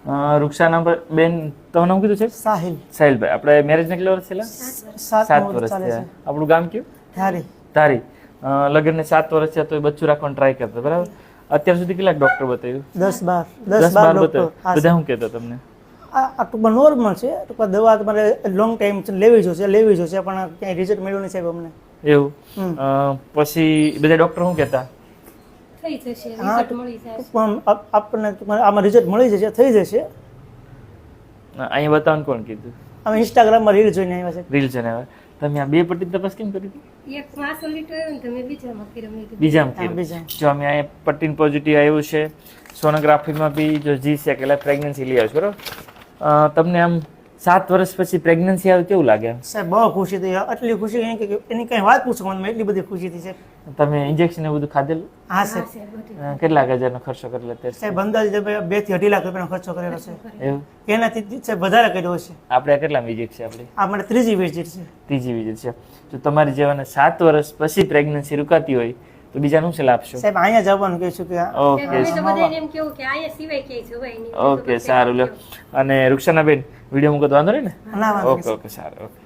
રૂક્ષાના બેન તમારું નામ કીધું છે? સાહિલભાઈ. આપણે મેરેજને કેટલા વર્ષ થયેલા? 7 વર્ષ થયા. આપણું ગામ કયું? ધારી. લગ્નને 7 વર્ષ થયા તો બચ્ચું રાખવાનું ટ્રાય કરતા, બરાબર? અત્યાર સુધી કેટલાક ડોક્ટર બતાવ્યું? 10-12 બતાવ્યું. બધા શું કહેતા તમને? આ ટૂંકમાં નોર્મલ છે, ટૂંકમાં દવા તમારે લોંગ ટાઈમ લેવી જોશે પણ ક્યાંય રિઝલ્ટ મળ્યું નહીં સાહેબ અમને. એવું? પછી બધા ડોક્ટર શું કહેતા? આપણને આમાં રિઝલ્ટ મળી જશે, થઈ જશે. અહીંયા બતાવવાનું કોણ કીધું? અમે ઇન્સ્ટાગ્રામમાં રીલ જોઈને આવ્યા છે. રીલ જોઈને આવ્યા. તમે આ બે પટ્ટી તપાસ કેમ કરી હતી? બીજામાં જો અમે અહીંયા પટ્ટીન પોઝિટિવ આવ્યું છે, સોનોગ્રાફીમાં બી જો જી છે કે પ્રેગ્નન્સી લઈ આવ્યો બરાબર. તમને આમ 7 વર્ષ પછી પ્રેગ્નન્સી આવે કેવું લાગે? સાહેબ બહુ ખુશી થઈ, આટલી ખુશી એની કઈ વાત પૂછો મને, એટલી બધી ખુશી થઈ સાહેબ. તમે ઇન્જેક્શન એવું બધું ખાધેલું? હા સાહેબ. કેટલા હજારનો ખર્ચો કરેલો અત્યારે? સાહેબ અંદાજે 2 થી 2.5 લાખ રૂપિયાનો ખર્ચો કરેલો છે. એવું? એનાથી સાહેબ વધારે કર્યો છે. આપણે કેટલા વિઝિટ છે આપણી? આપણે ત્રીજી વિઝિટ છે. ત્રીજી વિઝિટ છે. જો તમારી જેવાને 7 વર્ષ પછી પ્રેગ્નન્સી રૂકાતી હોય તો બીજાનું શું લાભશો? સાહેબ અહીંયા જવાનું કહીશું કે ઓકે સારું લ્યો. અને રૂક્ષાના બેન વિડીયો મૂકો તો વાંધો નહીં ને? ના વાંધો. ઓકે સારું. ઓકે.